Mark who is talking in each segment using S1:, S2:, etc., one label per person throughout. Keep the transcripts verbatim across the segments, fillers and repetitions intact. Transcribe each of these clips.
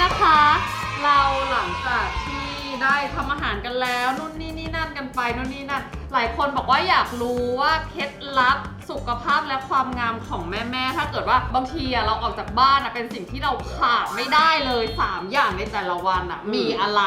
S1: นะคะเราหลังจากที่ได้ทำอาหารกันแล้วนู่นนี่นี่นั่นกันไปนู่นนี่นั่นหลายคนบอกว่าอยากรู้ว่าเคล็ดลับสุขภาพและความงามของแม่ๆถ้าเกิดว่าบางทีอะเราออกจากบ้านอะเป็นสิ่งที่เราขาดไม่ได้เลยสามอย่างในแต่ละวันอะมีอะไร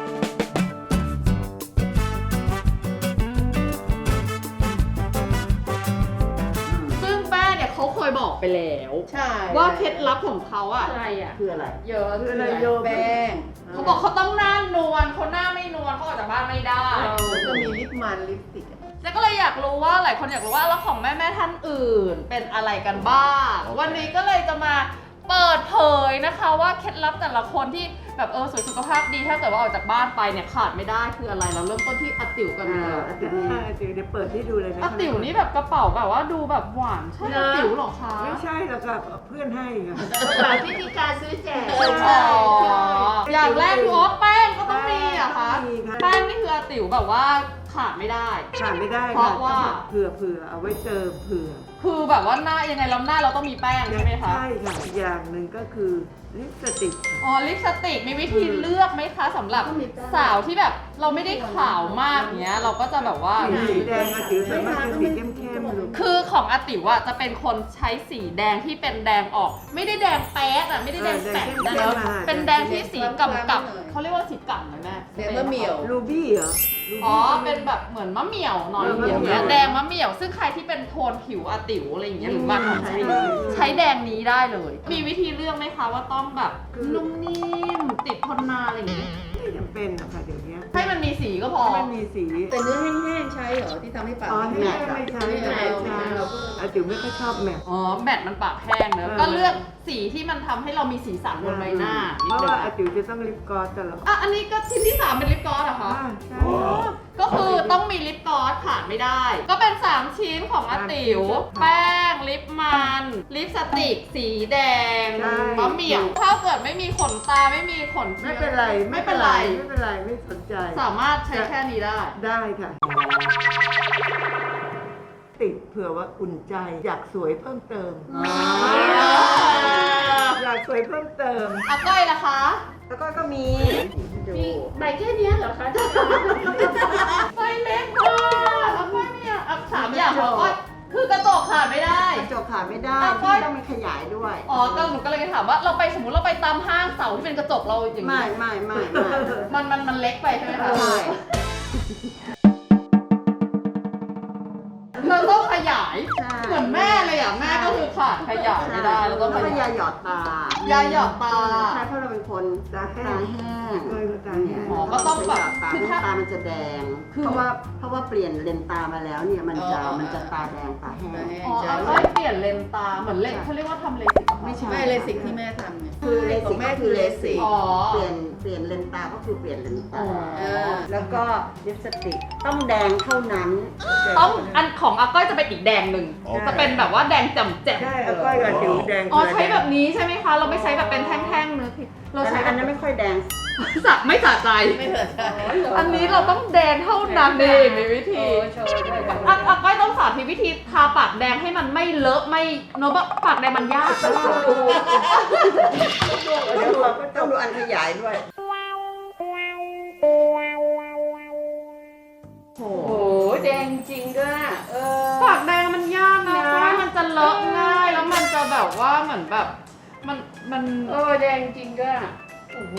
S1: เขาเคยบอกไปแล้วใช่ว่าเคล็ดลับของเขาอะอะไรอะ
S2: คืออะไร
S1: เยอะ
S2: คืออะไรโยแป้ง
S1: เขาบอกเขาต้องหน้านวลเขาหน้าไม่นวลเขาออกจากบ้านไม่ได้
S2: ก็มีลิปมันลิปสติก
S1: แล้วก็เลยอยากรู้ว่าหลายคนอยากรู้ว่าแล้วของแม่แม่ท่านอื่นเป็นอะไรกันบ้างวันนี้ก็เลยจะมาเปิดเผยนะคะว่าเคล็ดลับแต่ละคนที่แบบเออสวยสุขภาพดีถ้าเกิดว่าออกจากบ้านไปเนี่ยขาดไม่ได้คืออะไรเราเริ่มต้นที่อาติ๋วกันเลย
S2: อาติ๋วอาติ๋วเดี๋ยวเปิดให้ดูเลยนะ
S1: อาติ๋วนี่แบบกระเป๋าแบบว่าดูแบบหวานใช่อาติ๋วหรอคะ
S2: ไม่ใช่แล้วก็เพื่อนให้ค่ะ
S3: หลายวิธีการซื้อแจก
S1: อย่างแรกคืออ๋อแป้งก็ต้องมีอะคะแป้งนี่คืออาติ๋วแบบว่าขาดไม่ได้
S2: ขาดไม่ได้
S1: เพราะว่า
S2: เผื่อเผื่อเอาไว้เจอเผื่อ
S1: คือแบบว่าหน้ายังไงแล้วหน้าเราต้องมีแป้งใช่ไหมคะ
S2: ใช่ค่ะอย่างหนึ่งก็คือลิปสติก
S1: อ๋อลิปสติกมีวิธีเลือกไหมคะสำหรับสาวที่แบบเราไม่ได้ขาวมากเนี้ยเราก็จะแบบว่า
S2: สีแดงอาติ๋วสามารถเป็นสีเข้มๆเลย
S1: คือของอาติ๋วอะจะเป็นคนใช้สีแดงที่เป็นแดงออกไม่ได้แดงแป๊ดอะไม่ได้แดงแปดนะเป็นแดงที่สีกำกับเขาเรียกว่าสีกำไหมแม่
S3: แดงมะเหมี่ยว
S2: รูบี้เหรอ
S1: อ๋อเป็นแบบเหมือนมะเหมี่ยวหน่อยอย่างเงี้ยแดงมะเหมี่ยวซึ่งใครที่เป็นโทนผิวอาติ๋วอะไรอย่างเงี้ยหรือว่าใช้ใช้แดงนี้ได้เลยมีวิธีเลือกไหมคะว่าต้องแบบนุ่มนิ่มติดทนนานอะไรอย่างเงี้ย
S2: ไม่จำเป็นหรอกค่ะเดี๋ยวนี้
S1: ให้มันมีสีก็พอ
S2: มันมีสี
S3: แต่เนื้อแห้งๆใช้เหรอที่ทำให้ปาก
S2: อ๋อแมทไม่ใช่ไม่ใช่อาติ๋วไม่ค่อยชอบแมท
S1: อ๋อแมทมันปากแห้งเนอะก็เลือกสีที่มันทำให้เรามีสีสันบนใบหน้า
S2: เพราะว่าอาติ๋วจะต้องลิปกลอสตลอด
S1: อ่ะอันนี้ก็ชิ้นที่สามเป็นลิปกลอสเหรอคะ
S2: ใช่
S1: ก็คือต้องมีลิปกลอสขาดไม่ได้ก็เป็นสามชิ้นของอาติ๋วแป้งลิปมันลิปสติกสีแดงมะเหมี่ยวถ้าเกิดไม่มีขนตาไม่มีขน
S2: ไม่เป็นไร
S1: ไม่เป็นไร
S2: ไม่เป็นไรไม่สนใจ
S1: สามารถใช้แค่นี้ได้
S2: ได้ค่ะติดเผื่อว่าอุ่นใจอยากสวยเพิ่มเติมอยากสวยเพิ่มเติม
S1: อาก้อยล่ะคะ
S2: แล้วก็ก็มี
S3: มีใบแค่นี้เหรอคะ
S1: ใบเล็กมากอาก้อยเนี่ยสามอย่างของก้อยคือกระจกขาดไม่ได้
S2: กระจกขาดไม่ได้ที่ต้องมันขยายด้วย
S1: อ๋อก็หนูก็เลยถามว่าเราไปสมมติเราไปตามห้างเสาที่เป็นกระจกเราอย่างนี้
S2: ไม่ไม่ไม่
S1: มันมันมันเล็กไปใช่ไหมคะ
S2: ใช่
S1: เราต้องขยายเหมือนแม่เลยอ่ะแม่ก็คือขาดขยายไม่ได้เราต้อง
S2: ขยายหยอดตาย
S1: าหยอดตา
S2: ใช่เพราะเราเป็นคนตาแห้งเลยตาแห้ง
S1: อ๋อก็ต้องแบบ
S2: ตาตามันจะแดงเพราะว่าเพราะว่าเปลี่ยนเลนตามาแล้วเนี่ยมันจะมันจะตาแดงตาแห้ง
S1: อ๋อใช่เปลี่ยนเลนตาเหมือนเลนเขาเรียกว่าทำเลสิก
S3: ไม่ใช่ไม่เลสิกที่แม่ทำเนี่ย
S2: คือเลสิกแม่คือเลสิก
S1: อ๋อ
S2: เปลี่ยนเปลี่ยนเลนตาก็คือเปลี่ยนเลนตาแล้วก็ลิปสติกต้องแดงเท่านั้น
S1: ต้องอันของอาก้อยจะเป็นอีกแดงหนึ่งจะเป็นแบบว่าแดงแจ่มแจ่ม
S2: ใช่อาก้อยกับจิ๋วแดง
S1: อ๋อใช้แบบนี้ใช่ไหมคะเราไม่ใช้แบบเป็นแท่งๆเนื้อ
S2: เราใช้อันนั้นไม่ค่อยแดง
S1: สักไม่สะใจ
S3: ไม่สะใจ
S1: อันนี้เราต้องแดงเท่านั้นเองมีวิธีอาก้อยต้องสาธิตวิธีทาปากแดงให้มันไม่เลอะไม่โน้ตปากแดงมันยาก
S2: ต้องดูต้องดูอันขยายด้วย
S3: โอ้โหแดงจริงด้วย
S1: เออปากแดงมันยากนะเพราะว่ามันจะเลอะง่ายแล้วมันจะแบบว่าเหมือนแบบมันมัน
S3: เออแดงจริงด้วย
S1: โอ้โห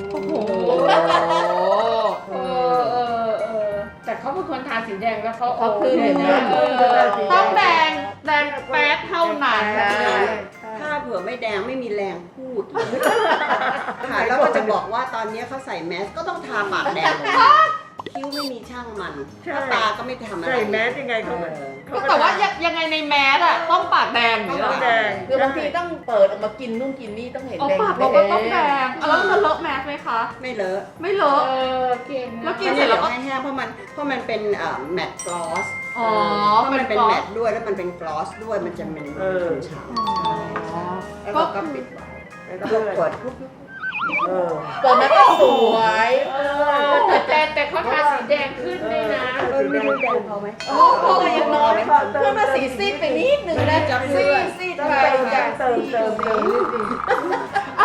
S3: เออเออเออแต่เขาเป็นคนทาสีแดงแล้วเขาเอาคืน
S1: เลยนะต้องแดงแดงแป๊ดเท่านั้น
S2: ถ้าเผื่อไม่แดงไม่มีแรงพูดค่ะแล้วก็จะบอกว่าตอนนี้เขาใส่แมสก็ต้องทาปากแดงคิ้วไม่มีช่างมันตาก็ไม่ทำอะไรใส่แมสยังไงเขา
S1: ก็แต่ว่ายังไงในแมสอะต้องปากแดงหรือ
S2: ต้องแดง
S3: คือบางทีต้องเปิดออกมากินนู่นกินนี่ต้องเห็นแดง
S1: ปากเราก็ต้องแดงแล้วจะเลอะแมสไหมคะ
S2: ไม่เลอะ
S1: ไม่เลอะ
S3: เออเก่ง
S1: แล้วกินเสร็จแล้วก็
S2: แห้งเพราะมันเพราะมันเป็นแมตต์กลอส
S1: อ๋อ
S2: เพราะมันเป็นแมตต์ด้วยแล้วมันเป็นกลอสด้วยมันจะเป็นฉ่ำแล้วก็ปิดไว้แล้วก็เปิดทุก
S3: เปิดมาก็สวยแต่แต่เขาทาสีแดงขึ้นด้วยนะ
S2: เออไม่รู้แดงพอไหม
S3: โอ้โหยังน้อยเพิ่มมาสีซีดไปนิดนึงนะซีดซีดไปจาก
S2: เติมเติมเติมนิดนึง
S1: อ่ะก้อยท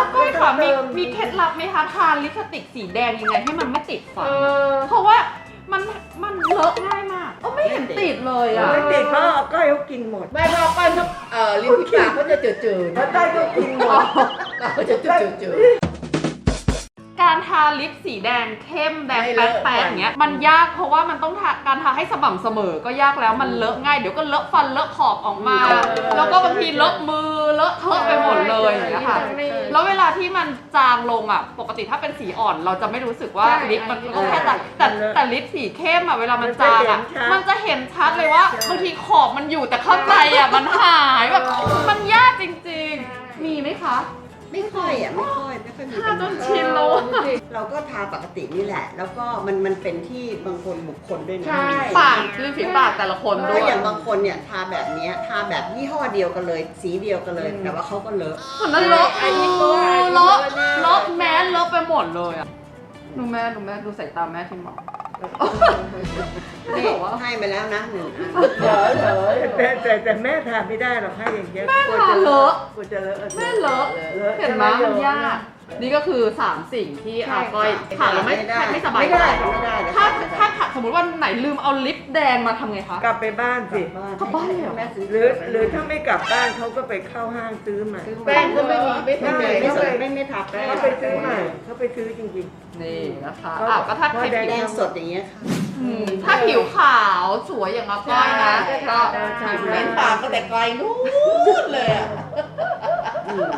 S1: ค่ะมี
S3: เติม
S1: มีเคล็ดลับไหมคะทาลิปสติกสีแดงยังไงให้มันไม่ติดฟัน
S3: เออ
S1: เพราะว่ามันมันเลอะง่ายมากก็ไม่เห็นติดเลยอ่ะ
S4: ไม่ติดเพราะเอาก้อยเขากินหมด
S3: ไม่พอก้อนเขาเอ่อลิ้นปีปากเขาจะจืดๆ
S4: เพราะก้อยเขากินหมด
S3: เขาจะจืด
S1: การทาลิปสีแดงเข้มแดง
S3: ไม่
S1: แป๊
S3: เล
S1: ด
S3: อะ
S1: แป๊ดอย่างเงี้ยมันยากเพราะว่ามันต้องทาการทาให้สม่ำเสมอก็ยากแล้วมันเลอะง่ายเดี๋ยวก็เลอะฟันเลอะขอบออกมา แล้วก็บางทีเลอะมือเลอะเทอะไปหมดเลยอย่างเงี้ยค่ะ แล้วเวลาที่มันจางลงอ่ะปกติถ้าเป็นสีอ่อนเราจะไม่รู้สึกว่าลิปมันก็แค่แต่แต่แต่ลิปสีเข้มอ่ะเวลามันจางอ่ะมันจะเห็นชัดเลยว่าบางทีขอบมันอยู่แต่ข้างในอ่ะมันหายแบบมันยากจริงๆ มีไหมคะ
S2: ไม่ค่อยอ่ะไม่ค่อยไม่ค่อยมี
S1: ทา
S2: ปัญ
S1: จน
S2: หา
S1: ชินแล้วอะ
S2: เราก็ทาปกตินี่แหละ แล้วก็มันมันเป็นที่บางคนบุคคลด้วยนะ
S3: ใช่
S1: ปากริมฝีปากแต่ละคนด้
S2: ก็
S1: วย
S2: อย่างบางคนเนี่ยทาแบบเนี้ยทาแบบยี่ห้อเดียวกันเลย สีเดียวกันเลย แต่ว่าเขาก็เลอะ
S1: คนนั้นเลอะ
S3: อันนี้ก็ว่าอันนี้
S1: เลอะ
S3: เลอะ
S1: เลอะแมสเลอะไปหมดเลยอ่ะดูแม่ดูแม่ดูสายตาแม่ที่หมอ
S2: นี่ให้มาแล้วนะหนึ่งอัน
S3: เหรอเหรอ
S4: แต่แต่แต่แม่ทานไม่ได้หรอกให้อย่างเงี้ย
S1: แม่
S4: กลัว
S1: ทา
S4: จะ
S1: เลอะ
S4: กลัวจะเลอะ
S1: แม่เลอะ
S4: เลอะ
S1: เห็นไหมมันยากนี่ก็คือสามสิ่งที่อาก้อยขาดแล้วไม่ไม่สบาย
S2: ไม่
S1: ใจ
S2: ได้ค่ะไม่ได้เลย
S1: ถ้าถ้าขาดสมมติว่าไหนลืมเอาลิปแดงมาทำไงคะ
S4: กลับไปบ้านสิ
S1: กลับบ้านเลยเหรอ
S2: แม่ซื้อ
S4: หรือหรือถ้าไม่กลับบ้านเขาก็ไปเข้าห้างซื้อใหม่
S3: แป้งก็ไม่มีไม่
S2: ไม่
S3: ทำไง
S2: ไม่
S3: เขา
S2: ส
S3: ไป
S2: นไม่ไม่ทาแป้ง
S4: เขาไปซื้อใหม่เขาไปซื้อจริง
S1: นี่นะคะ
S4: เขา
S1: อ่ะก็ถ้า
S4: เขา
S1: ใคร
S4: แด
S2: แด
S1: ผิว
S2: งสดอย่างเงี้ยค่ะ
S1: อืมถ้าผิวขาวสวยอย่างอาก้อยนะ ก็
S4: ใช่
S1: ผิว
S3: เล่
S1: เล่
S3: น
S1: น
S3: ปา
S1: ปาก ก
S3: ก็แต่ไกลนู้นเลยอะ
S2: อืม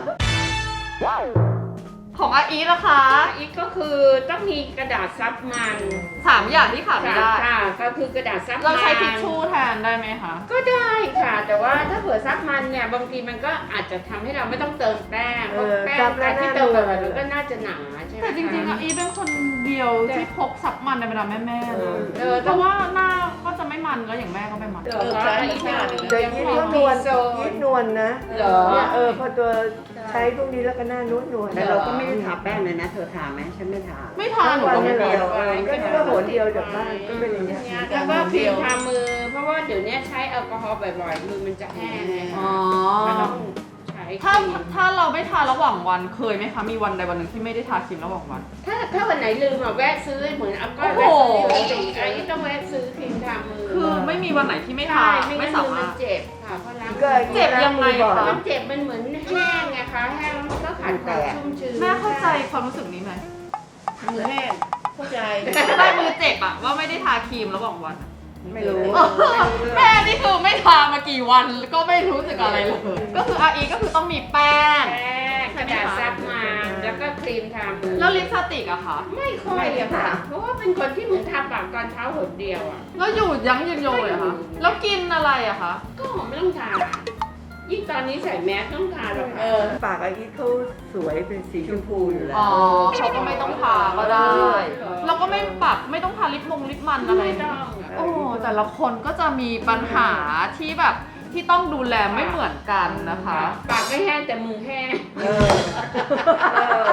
S1: ของอาอีทนะคะ
S5: อีกก็คือต้องมีกระดาษซับมัน
S1: สามอย่างที่ขาดไม่ได้
S5: ค่ะก็คือกระดาษซับมัน
S1: เราใช้ทิชชู่แทนได้ไหมคะ
S5: ก็ได้ค่ะ แต่ว่าถ้าเผื่อซับมันเนี่ยบางทีมันก็อาจจะทำให้เราไม่ต้องเติมแป้งเพราะแป้งการที่เติมไปมันก็น่าจะหนาใช่ไหม
S1: แต่จริงๆ
S5: คะ
S1: อาอีทเป็นคนเดียวที่พกซับมันในบรรดาแม่ๆนะ
S5: เออ
S1: เพราะว่าหน้าก็จะไม่มันแล้วอย่างแม่ก็ไม่มัน
S5: เออใช่ใช่
S4: ๆแต่ยิ้มก็นวลยิ้มนวลนะ
S5: เหรอ
S4: เนี่ยเออพอตัวใช้พวกนี้แล้วก็หน้านวลนวล
S2: แต่เราก็ไม่ได้ทาแป้งเลยนะ เธอทาไหมฉันไม่ทา
S1: ไม่ทานหนู
S4: วัน
S1: ก็ไม่
S4: เดี
S1: เดี
S4: ย
S1: ยว ว
S4: ก็นี่ก็โหนเดียวจากบ้านก็เป็นอย่างเงี้ย
S5: แล้วก็ครีมทามือ เพราะว่าเดี๋ยวนี้ใช้แอลกอฮอล์บ่อยๆมือมันจะแห้งไง
S1: อ๋อ
S5: ก็ต้องใช้ค
S1: ถ้า
S5: รีม
S1: ถ้าเราไม่ทาระหว่างวันเคยไหมคะ มีวันใดวันหนึ่งที่ไม่ได้ทาครีมระหว่างวัน
S5: ถ้าถ้าวันไหนลืมอ่ะแวะซื้อเหมือนอัพก้อย
S1: โอ้
S5: แวะ
S1: โห
S5: ซื้อปกติไอ้ต้องแวะซื้อครีมทามือ
S1: คือไม่มีวันไหนที่ไม่ทา
S5: ใช่ไม่
S1: ไม่
S5: งั้น
S1: สา
S5: มือ
S1: มา
S5: มั
S1: ร
S5: น
S1: ถ
S5: เจ็บค่ะเพราะล้าง
S4: ก็
S1: เจ็บยังไงคะ
S5: มันเจ็บมันเหมือนแห้งไงคะแห้งแล้วมันก็ขาดความชุ่มชื้น
S1: แม่เข้าใจความรู้สึกนี้ไหม
S3: มือแห้งเข้าใจ
S1: ได้มือเจ็บอะว่าไม่ได้ทาครีมระหว่างวันอะ
S3: ไม่รู้
S1: แม่นี่คือไม่ทามากี่วันก็ไม่รู้สึกอะไรเลย ก็คืออาอีก็คือต้องมีแป้ง
S5: แป้งกระดาษซับมันแล้วก็ครีมทามือ
S1: แล้วลิปสติกอะคะ
S5: ไม่ค่อยอะค่ะ เพราะว่าเป็นคนที่เหมือนทาปากตอนเช้าหนเดียวอ่ะ
S1: แล้วอยู่ยั้งยืนยงเลยเหรอคะแล้วกินอะไรอะคะ
S5: ก็ไม่ต้องทายิ่งตอนนี้ใส่แมสต้องทาหรอก
S3: เอ
S5: ค่ะ
S3: อ
S4: ปากอาอีทเขาสวยเป็นสีชมพูอยู่แล้ว
S1: อ๋อเขาก็ไม่ต้องทาก็ได้แล้วก็ไม่ปักไม่ต้องทาลิปมงลิปมันอะไร
S5: ไม่ต้องอะ
S1: โอ้แต่ละคนก็จะมีปัญหาที่แบบที่ต้องดูแลไม่เหมือนกันนะคะ
S5: ปากไม่แห้งแต่มือแห้ง
S4: เออเออ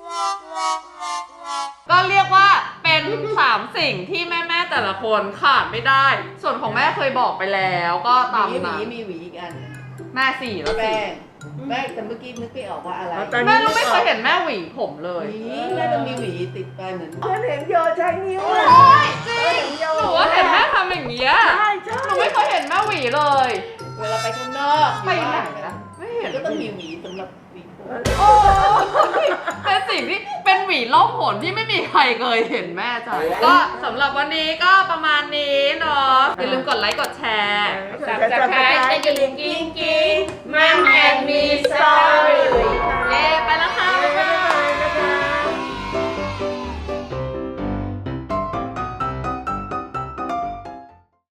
S1: ก็เรียกว่าเป็นสามสิ่งที่แม่ๆแต่ละคนขาดไม่ได้ ส่วนของแม่เคยบอกไปแล้วก็ตาม
S3: หวีหวี
S1: นั้น
S3: มีหวีอีกอัน
S1: แม่สี่แล้ว
S3: แป้
S1: สี่
S3: งแป้งแต่เมื่อกี้นึกไม่ออกว่าอะไร
S4: เอาตอน
S1: แม่
S4: นี้
S1: เราไม่เคยเห็นแม่หวีผมเล
S3: ห
S1: ย
S3: วีแม่ต้องมีหวีติดไปเหมือน
S4: เพื่อนเห็นโยใช้นิ้ว
S1: โอ้
S4: อะ
S1: ยจริงหนูว่าเห็นแม่ทำอย่างเงี้ย
S4: ใช่ใช่
S1: หนูไม่เคยเห็นแม่หวีเลย
S3: เวลาไปข้างนอก
S1: ไปไหน
S3: อยู่บ้า
S1: นะไม่เห็น
S3: ก็ต้องมีหวีสำหรับหวีผม
S1: โอ้ยเป็นสิ่งที่เป็นหวีล่องหนที่ไม่มีใครเคยเห็นแม่จ่ายก็สำหรับวันนี้ก็ประมาณนี้เนาะอย่าลืมกดไลค์กดแชร์
S5: สับตะไคร้จะยิงกิ้งกิ้งมา